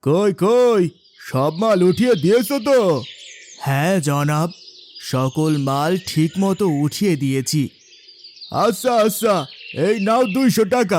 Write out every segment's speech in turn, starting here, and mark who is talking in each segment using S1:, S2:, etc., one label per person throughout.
S1: কই কই, সব মাল উঠিয়ে দিয়েছো তো? হ্যাঁ জনাব, সকল মাল ঠিকমতো উঠিয়ে দিয়েছি। আচ্ছা আচ্ছা, এই নাও 200 টাকা।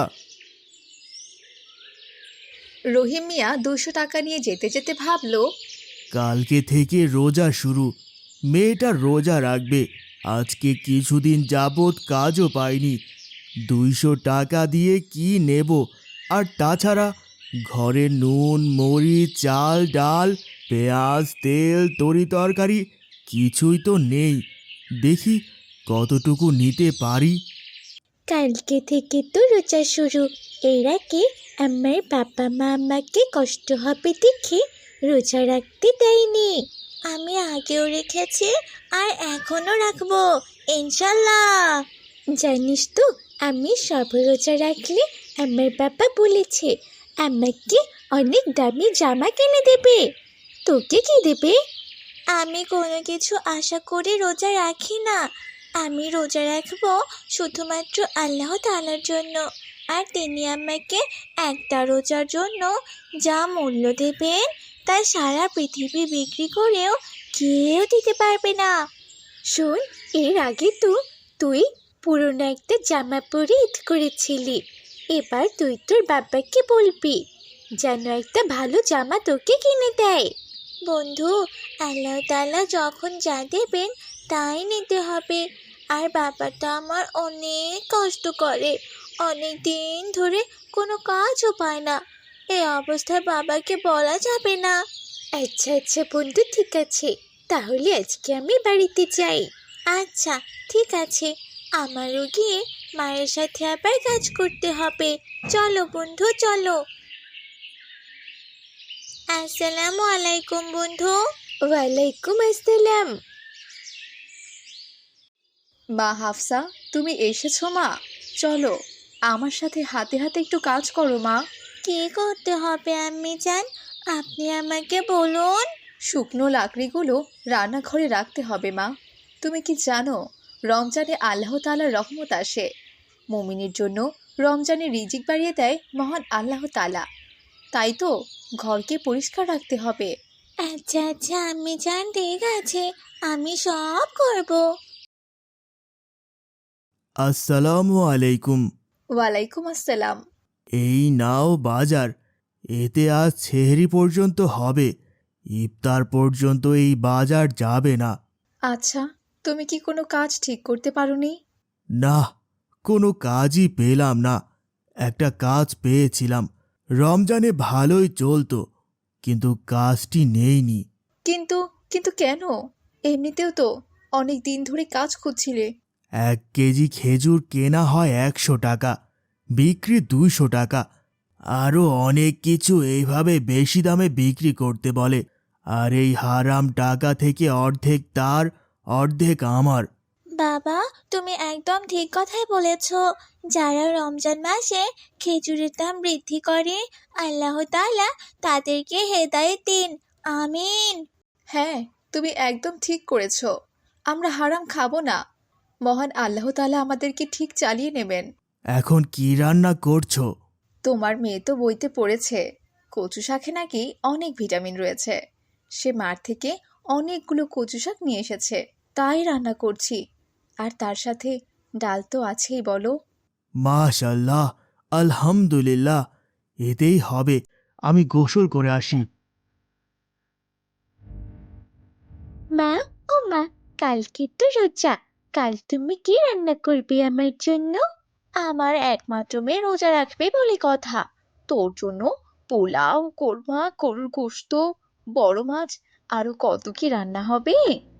S2: রহিম মিয়া 200 টাকা নিয়ে যেতে যেতে ভাবল,
S1: কালকে থেকে রোজা শুরু, মেয়েটা রোজা রাখবে। আজকে কিছুদিন যাবৎ কাজও পাইনি, 200 টাকা দিয়ে কি নেব? আর তাছাড়া ঘরে নুন মরিচ চাল ডাল পেঁয়াজ তেল তরি তরকারি কিছুই তো নেই। দেখি কতটুকু নিতে পারি।
S3: কালকে থেকে তো রোজা শুরু। এর আগে আমার বাবা মা আমাকে কষ্ট হবে দেখে রোজা রাখতে দেয়নি। আমি আগেও রেখেছি আর এখনো রাখবো, ইনশাল্লাহ। জানিস তো, আমি সব রোজা রাখলে আমার বাবা বলেছে আমাকে অনেক দামি জামা কিনে দেবে। তোকে কি দেবে? আমি কোনো কিছু আশা করে রোজা রাখি না। আমি রোজা রাখবো শুধুমাত্র আল্লাহ তাআলার জন্য। আর তিনি আমাকে একটা রোজার জন্য যা মূল্য দেবেন তা সারা পৃথিবী বিক্রি করেও কেউ দিতে পারবে না। শোন, এর আগে তো তুই পুরনো একটা জামা পরে ঈদ করেছিলি। এবার তুই তোর বাবাকে বলবি যেন একটা ভালো জামা তোকে কিনে দেয়। বন্ধু, আল্লাহ তাআলা যখন যা দেবেন তাই নিতে হবে। আর বাবা তো আমার অনেক কষ্ট করে, অনেক দিন ধরে কোনো কাজও পায় না। এই অবস্থায় বাবাকে বলা যাবে না। আচ্ছা আচ্ছা বন্ধু, ঠিক আছে, তাহলে আজকে আমি বাড়িতে যাই। আচ্ছা, ঠিক আছে, আমারও গিয়ে মায়ের সাথে আবার কাজ করতে হবে। চলো বন্ধু, চলো। আসসালামু আলাইকুম বন্ধু। ওয়ালাইকুম আসসালাম।
S2: মা হাফসা, তুমি এসেছো মা? চলো আমার সাথে হাতে হাতে একটু কাজ করো মা।
S3: কি করতে হবে আম্মি জান? আপনি আমাকে বলুন।
S2: শুকনো লাকড়িগুলো রান্নাঘরে রাখতে হবে মা। তুমি কি জানো, রমজানে আল্লাহ তাআলার রহমত আসে। মুমিনের জন্য রমজানে রিজিক বাড়িয়ে দেয় মহান আল্লাহ তাআলা। তাই তো ঘরকে পরিষ্কার রাখতে হবে।
S3: আচ্ছা আচ্ছা আম্মি জান, ঠিক আছে, আমি সব করব।
S1: আসসালামু আলাইকুম।
S2: ওয়ালাইকুম আসসালাম।
S1: এই নাও বাজার, এতে আজ সেহরি পর্যন্ত হবে, ইফতার পর্যন্ত এই বাজার যাবে না।
S2: আচ্ছা, তুমি কি কোনো কাজ ঠিক করতে পারোনি?
S1: না, কোনো কাজই পেলাম না। একটা কাজ পেয়েছিলাম, রমজানে ভালোই চলতো, কিন্তু কাজটি নেইনি।
S2: কিন্তু কিন্তু কেন? এমনিতেও তো অনেক দিন ধরে কাজ খুঁজছিলে।
S1: 1 কেজি খেজুর কেনা হয় 100 টাকা, বিক্রি 200 টাকা। আরও অনেক কিছু এইভাবে বেশি দামে বিক্রি করতে বলে, আর এই হারাম টাকা থেকে অর্ধেক তার অর্ধেক আমার।
S3: বাবা, তুমি একদম ঠিক কথাই বলেছ। যারা রমজান মাসে খেজুরের দাম বৃদ্ধি করে, আল্লাহ তাআলা তাদেরকে হেদায়েত দিন। আমিন।
S2: হ্যাঁ, তুমি একদম ঠিক করেছো। আমরা হারাম খাবো না। মহান আল্লাহ তাআলা আমাদেরকে ঠিক চালিয়ে নেবেন।
S1: এখন কি রান্না করছো?
S2: তোমার মেয়ে তো বইতে পড়েছে কচু শাকে নাকি অনেক ভিটামিন রয়েছে। সে মাঠ থেকে অনেকগুলো কচু শাক নিয়ে এসেছে, তাই রান্না করছি। আর তার সাথে ডাল তো আছেই বলো।
S1: মাশাল্লাহ, আলহামদুলিল্লাহ, এতেই হবে। আমি গোসল করে আসি।
S3: মা, ও মা, কালকে তো রোজা। কাল তুমি কি রান্না করবে আমার জন্য? আমার একমাত্র মেয়ে রোজা রাখবে বলে কথা। তোর জন্য পোলাও, কোরমা, গরুর গোশত, বড় মাছ, আরো কত কি রান্না হবে।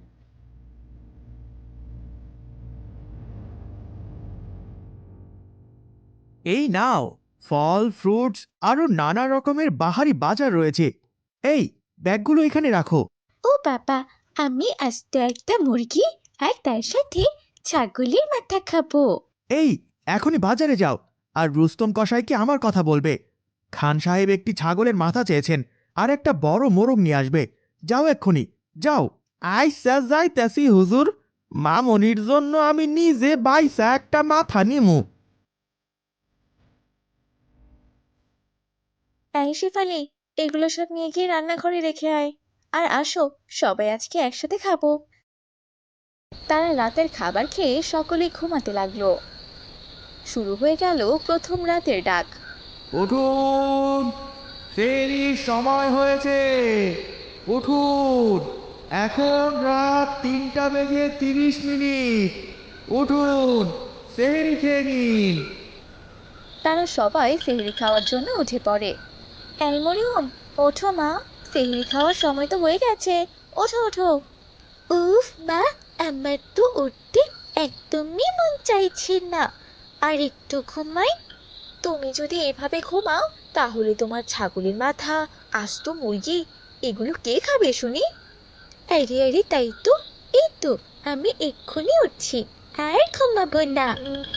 S1: এই নাও, ফল ফ্রুটস আরো নানা রকমের বাহারি বাজার রয়েছে। এই ব্যাগগুলো এখানে রাখো।
S3: ও বাবা, আমি আস্ত একটা মুরগি আর তার সাথে ছাগলের মাথা খাবো।
S1: এই, এখনই বাজারে যাও, আর রুস্তম কসাইকে আমার কথা বলবে। খান সাহেব একটি ছাগলের মাথা চেয়েছেন, আর একটা বড় মোরগ নিয়ে আসবে। যাও এক্ষুনি, যাও। আইসা যাইতাছি হুজুর, মামনির জন্য আমি নিজে বাইসা একটা মাথা নিমু।
S3: এই শেফালি,
S2: এগুলো সব নিয়ে গিয়ে রান্নাঘরে রেখে আয়। আর আসো, সবাই আজকে একসাথে খাবো। তারা রাতের খাবার খেয়ে সকলে ঘুমাতে লাগলো। শুরু হয়ে গেল প্রথম রাতের ডাক।
S1: উঠুন, ফেরির সময় হয়েছে। উঠুন, এখন রাত 3:30। উঠুন, ফেরি খেয়ে নিন।
S2: তারা সবাই সেহরি খাওয়ার জন্য উঠে পড়ে। এই মরিয়ম, ওঠো মা, সেহরি খাওয়ার সময় তো হয়ে গেছে। ওঠো ওঠো।
S3: উফ মা, আমার তো উঠতে একদমই মন চাইছে না। আর একটু ঘুমাই।
S2: তুমি যদি এভাবে ঘুমাও তাহলে তোমার ছাগলের মাথা, আস্ত মুরগি এগুলো কে খাবে শুনি?
S3: আরে আরে, তাই তো। এই তো, আমি এক্ষুনি উঠছি। আর ঘুমাবো না।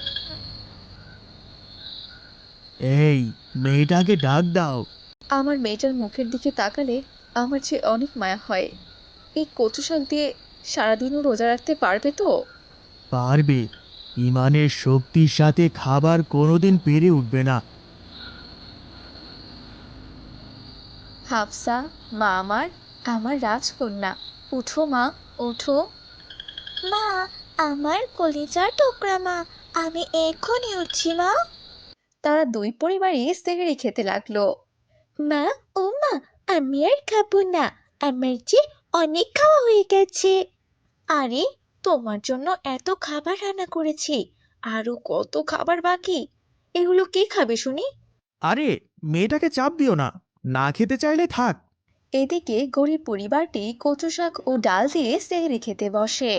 S1: এই, মেয়েটাকে ডাক দাও।
S2: আমার মেয়েটার মুখের দিকে তাকালে আমার যে অনেক মায়া হয়। এই কচু শাক দিয়ে সারাদিনও রোজা রাখতে পারবে তো?
S1: পারবে। ইমানের শক্তির সাথে খাবার কোনোদিন পেরে উঠবে না।
S2: হাফসা, মা আমার, আমার রাজকন্যা, উঠো মা, ওঠো।
S3: মা, আমার কলিজার টুকরা মা, আমি এক্ষুনি উঠছি মা।
S2: তারা দুই পরিবারই সেহরি খেতে লাগলো।
S3: মা, ও মা, আমি আর খাবো না। আমার যে অনেক খাওয়া হয়ে গেছে।
S2: আরে, তোমার জন্য এত খাবার রান্না করেছি, আরো কত খাবার বাকি। এগুলো কে খাবে শুনি?
S1: আরে, মেয়েটাকে চাপ দিও না, না খেতে চাইলে থাক।
S2: এদিকে গরিব পরিবারটি কচু শাক ও ডাল দিয়ে সেহরি খেতে বসে।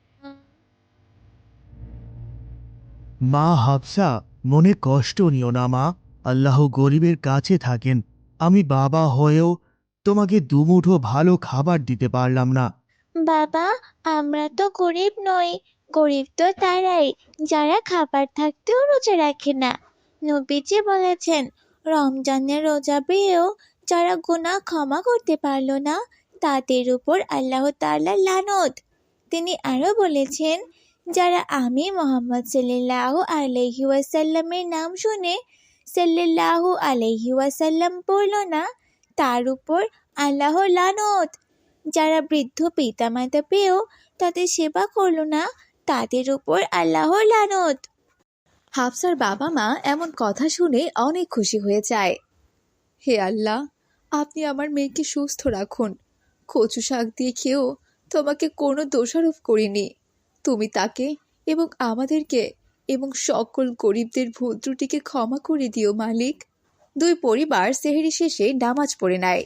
S1: মা হাফসা, মনে কষ্ট নিও না মা। আল্লাহ গরিবের কাছে থাকেন। আমি বাবা হয়েও তোমাকে দুমুঠো ভালো খাবার দিতে পারলাম না।
S3: বাবা, আমরা তো গরিব নই। গরিব তো তারাই যারা খাবার থাকতেও রোজা রাখে না। নবীজি বলেছেন, রমজানের রোজা পেয়েও যারা গুনাহ ক্ষমা করতে পারলো না, তাদের উপর আল্লাহ তাআলার লানত। তিনি আরো বলেছেন, যারা আমি মোহাম্মদ সাল্লাল্লাহু আলাইহি ওয়াসাল্লামের নাম শুনে সাল্লাল্লাহু আলাইহি ওয়াসাল্লাম পড়ল না, তার উপর আল্লাহর লানত। যারা বৃদ্ধ পিতামাতা পেয়েও তাদের সেবা করলো না, তাদের উপর আল্লাহর লানত।
S2: হাফসার বাবা মা এমন কথা শুনে অনেক খুশি হয়ে যায়। হে আল্লাহ, আপনি আমার মেয়েকে সুস্থ রাখুন। কচু শাক দিয়ে খেয়েও তোমাকে কোনো দোষারোপ করিনি। তুমি তাকে এবং আমাদেরকে এবং সকল গরিবদের ভুল ত্রুটিকে ক্ষমা করে দিও মালিক। দুই পরিবার সেহরি শেষে নামাজ পড়ে নেয়।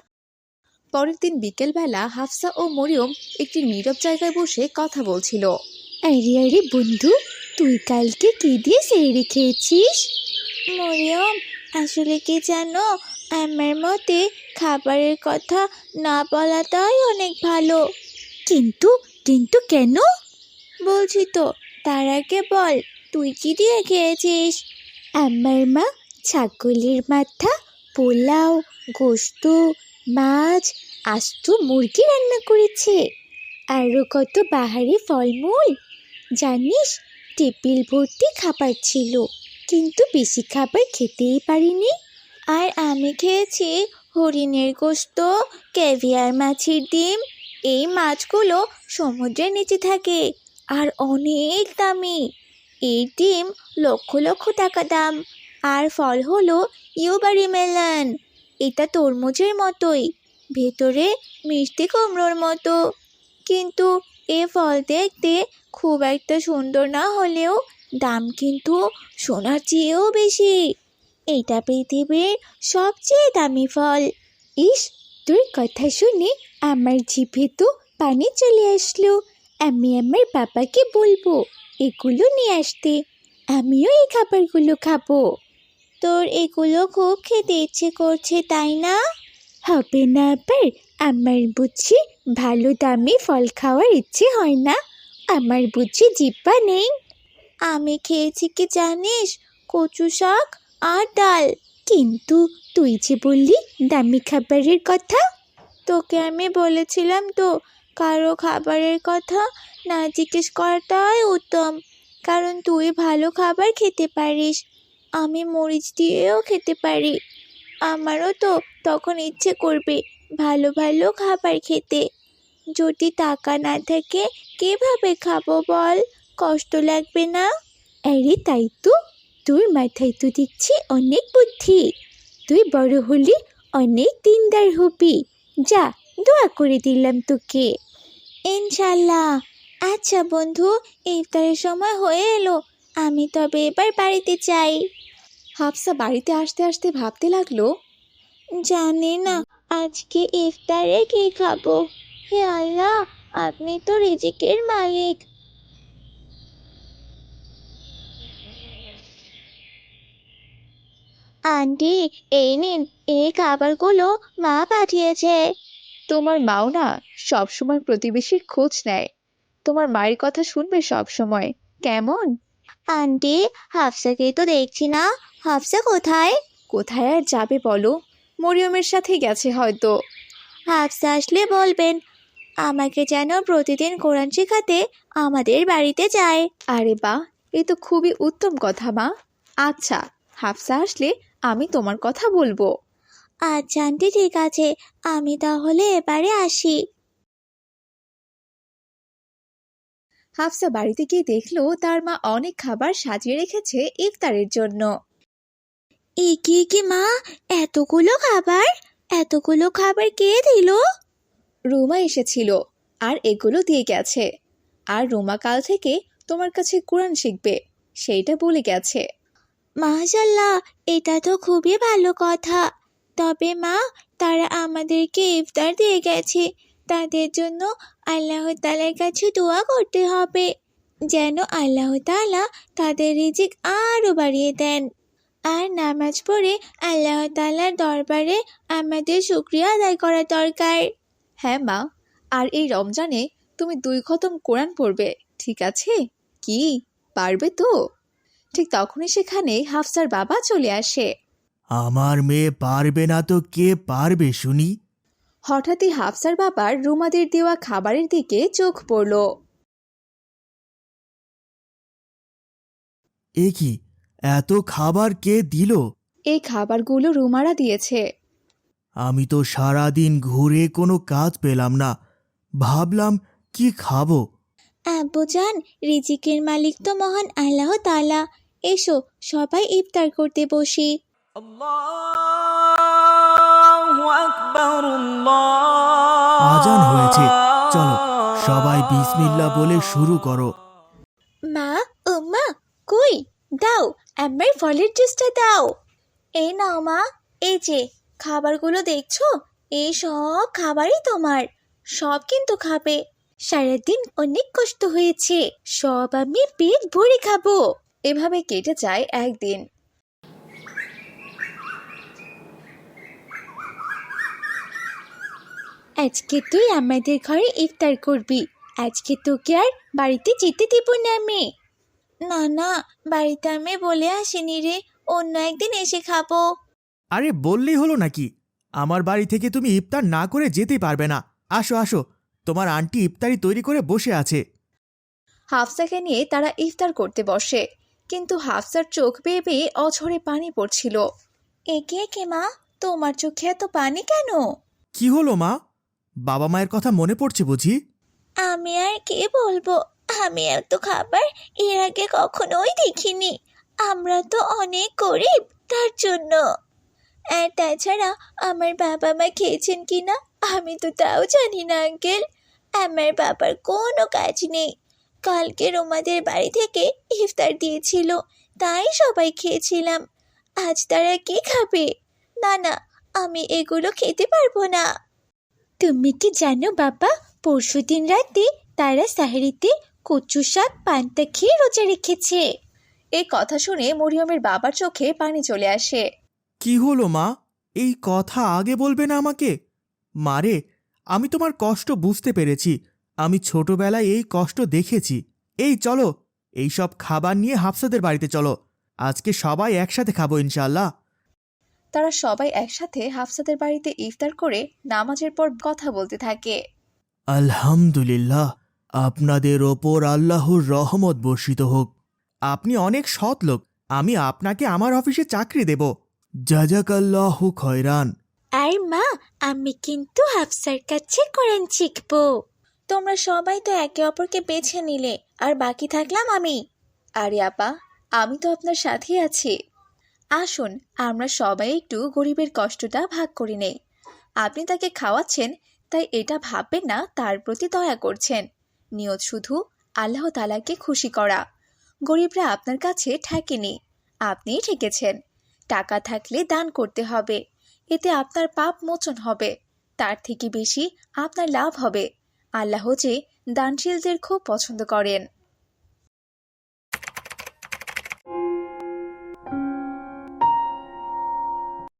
S2: পরের দিন বিকেলবেলা হাফসা ও মরিয়ম একটি নীরব জায়গায় বসে কথা বলছিল।
S3: আরে আরে বন্ধু, তুই কালকে কি দিয়ে সেহরি খেয়েছিস? মরিয়ম, আসলে কি জানো, আমার মতে খাবারের কথা না বলাটাই অনেক ভালো। কিন্তু কিন্তু কেন? বলছি তো, তার আগে বল, তুই কি দিয়ে খেয়েছিস? আমার মা ছাগলের মাথা, পোলাও, গোশত, মাছ, আস্ত মুরগি রান্না করেছে। আরও কত বাহারি ফলমূল। জানিস, টেবিল ভর্তি খাবার ছিল, কিন্তু বেশি খাবার খেতেই পারিনি। আর আমি খেয়েছি হরিণের গোশত, ক্যাভিয়ার, মাছের ডিম। এই মাছগুলো সমুদ্রের নিচে থাকে আর অনেক দামি। এই ডিম লক্ষ লক্ষ টাকা দাম। আর ফল হলো ইউবারি মেলন। এটা তরমুজের মতোই, ভেতরে মিষ্টি কুমড়োর মতো। কিন্তু এ ফল দেখতে খুব একটা সুন্দর না হলেও দাম কিন্তু সোনার চেয়েও বেশি। এটা পৃথিবীর সবচেয়ে দামি ফল। ইস, তোর কথা শুনে আমার জিভে তো পানি চলে আসলো। আমি আমার বাবাকে বলবো এগুলো নিয়ে আসতে। আমিও এই খাবারগুলো খাবো। তোর এগুলো খুব খেতে ইচ্ছে করছে, তাই না? হবে না আবার? আমার বুঝি ভালো দামি ফল খাওয়ার ইচ্ছে হয় না? আমার বুঝি জিহ্বা নেই? আমি খেয়েছি কি জানিস, কচু শাক আর ডাল। কিন্তু তুই যে বললি দামি খাবারের কথা। তোকে আমি বলেছিলাম তো, কারো খাবারের কথা না জিজ্ঞেস করাটাই উত্তম, কারণ তুই ভালো খাবার খেতে পারিস। আমি মরিচ দিয়েও খেতে পারি। আমারও তো তখন ইচ্ছে করবে ভালো ভালো খাবার খেতে। যদি টাকা না থাকে কিভাবে খাবো বল? কষ্ট লাগবে না? আরে তাই তো, তোর মাথায় তো দেখছি অনেক বুদ্ধি। তুই বড় হলে অনেক দিনদার হবি। যা, দোয়া করে দিলাম তোকে। ইনশাল্লাহ। আচ্ছা বন্ধু, ইফতারের সময় হয়ে এলো, আমি তবে এবার বাড়িতে চাই।
S2: হাফসা বাড়িতে আসতে আসতে ভাবতে লাগলো,
S3: জানি না আজকে ইফতারে কি খাবো। হে আল্লাহ, আপনি তো রিজিকের মালিক। আন্টি, এই নিন, এই খাবারগুলো মা পাঠিয়েছে।
S2: তোমার মাও না সবসময় প্রতিবেশীর খোঁজ নেয়। তোমার মায়ের কথা শুনবে সব সময়, কেমন?
S3: আন্টি, হাফসাকে তো দেখছি না। হাফসা কোথায়?
S2: কোথায় আর যাবে বলো, মরিয়মের সাথে গেছে হয়তো।
S3: হাফসা আসলে বলবেন আমাকে যেন প্রতিদিন কোরআন শেখাতে আমাদের বাড়িতে যায়।
S2: আরে বাহ, এ তো খুবই উত্তম কথা মা। আচ্ছা, হাফসা আসলে আমি তোমার কথা বলবো।
S3: আচ্ছা আন্টি, ঠিক আছে, আমি তাহলে এবারে আসি।
S2: হাফসা বাড়িতে গিয়ে দেখলো তার মা অনেক খাবার সাজিয়ে রেখেছে ইফতারের জন্য।
S3: এ কি মা, এতগুলো খাবার? এতগুলো খাবার কে দিল?
S2: রুমা এসেছিল আর এগুলো দিয়ে গেছে। আর রুমা কাল থেকে তোমার কাছে কোরআন শিখবে, সেইটা বলে গেছে।
S3: মাশাল্লাহ, এটা তো খুবই ভালো কথা। তবে মা, তারা আমাদেরকে ইফতার দিয়ে গেছে, তাদের জন্য আল্লাহ তাআলার কাছে দোয়া করতে হবে যেন আল্লাহ তাআলা তাদের রিজিক আরো বাড়িয়ে দেন। আর নামাজ পড়ে আল্লাহ তাআলার দরবারে আমাদের শুকরিয়া আদায় করা দরকার।
S2: হ্যাঁ মা, আর এই রমজানে তুমি 2 খতম কোরআন পড়বে, ঠিক আছে? কি, পারবে তো? ঠিক তখনই সেখানে হাফসার বাবা চলে আসে।
S1: আমার মেয়ে পারবে না তো কে পারবে শুনি?
S2: হঠাৎই হাফসার বাবার রুমাদের দেওয়া খাবারের দিকে চোখ পড়ল।
S1: এ কি, এত খাবার কে দিল?
S2: এই খাবারগুলো রুমারা দিয়েছে।
S1: আমি তো সারাদিন ঘুরে কোনো কাজ পেলাম না, ভাবলাম কি খাবো।
S3: আব্বুজান, রিজিকের মালিক তো মহান আল্লাহ তাআলা। এসো সবাই ইফতার করতে বসি।
S1: আজান হয়েছে, চলো সবাই বিসমিল্লাহ বলে শুরু করো।
S3: মা, উম্মা, কই? দাও, আমার ফলের জুসটা দাও। এই নাও মা, এই যে খাবারগুলো দেখছো, এই সব খাবারই তোমার। সব কিন্তু খাবে। সারাদিন অনেক কষ্ট হয়েছে, সব আমি পেট ভরে খাবো।
S2: এভাবে কেটে যায় একদিন।
S3: আজকে তুই আমাদের ঘরে ইফতার করবি। আজকে তোকে আর বাড়িতে যেতে দেব না আমি। না না, বাড়িতে আমি বলে আসিনি রে, অন্য একদিন এসে খাবো।
S1: আরে বললেই হলো নাকি? আমার বাড়ি থেকে তুমি ইফতার না করে যেতেই পারবে না। আসো আসো, তোমার আন্টি ইফতারি তৈরি করে বসে আছে।
S2: হাফসাকে নিয়ে তারা ইফতার করতে বসে, কিন্তু হাফসার চোখ বেয়ে বেয়ে অঝরে পানি পড়ছিল।
S3: একে কে মা, তোমার চোখে এত পানি কেন?
S1: কি হলো মা, বাবা মায়ের কথা মনে পড়ছে বুঝি?
S3: আমি আর কি বলবো, আমি এত খাবার এর আগে কখনোই দেখিনি। আমরা তো অনেক গরিব, তার জন্য। আর তাছাড়া আমার বাবা মা খেয়েছেন কিনা আমি তো তাও জানি না আঙ্কেল। আমার বাবার কোনো কাজ নেই। কালকে রোমাদের বাড়ি থেকে ইফতার দিয়েছিল, তাই সবাই খেয়েছিলাম। আজ তারা কি খাবে? না না, আমি এগুলো খেতে পারবো না। তুমি কি জানো বাবা, পরশুদিন রাতে তারা সাহরিতে কচু শাক পান্তা খেয়ে রোজা রেখেছে।
S2: এই কথা শুনে মরিয়মের বাবার চোখে পানি চলে আসে।
S1: কি হলো মা, এই কথা আগে বলবে না আমাকে? মারে, আমি তোমার কষ্ট বুঝতে পেরেছি, আমি ছোটবেলায় এই কষ্ট দেখেছি। এই চলো, এই সব খাবার নিয়ে হাফসাদের বাড়িতে চলো, আজকে সবাই একসাথে খাবো ইনশাআল্লাহ।
S2: তারা সবাই একসাথে হাফসাদের বাড়িতে ইফতার করে নামাজের পর কথা বলতে থাকে।
S1: আলহামদুলিল্লাহ, আপনাদের ওপর আল্লাহর রহমত বর্ষিত হোক। আপনি অনেক সৎ লোক, আমি আপনাকে আমার অফিসে চাকরি দেব। জাজাকাল্লাহু খয়রান।
S3: আর মা, আমি কিন্তু হাফসার কাছে কোরআন শিখবো। তোমরা সবাই তো একে অপরকে বেছে নিলে, আর বাকি থাকলাম আমি।
S2: আরে আপা, আমি তো আপনার সাথেই আছি। আসুন আমরা সবাই একটু গরিবের কষ্টটা ভাগ করে নেই। আপনি তাকে খাওয়াচ্ছেন, তাই এটা ভাববেন না তার প্রতি দয়া করছেন। নিয়ত শুধু আল্লাহ তাআলাকে খুশি করা। গরিবরা আপনার কাছে ঠেকেনি, আপনিই ঠেকেছেন। টাকা থাকলে দান করতে হবে, এতে আপনার পাপ মোচন হবে। তার থেকে বেশি আপনার লাভ হবে। আল্লাহ যে দানশীলদের খুব পছন্দ করেন।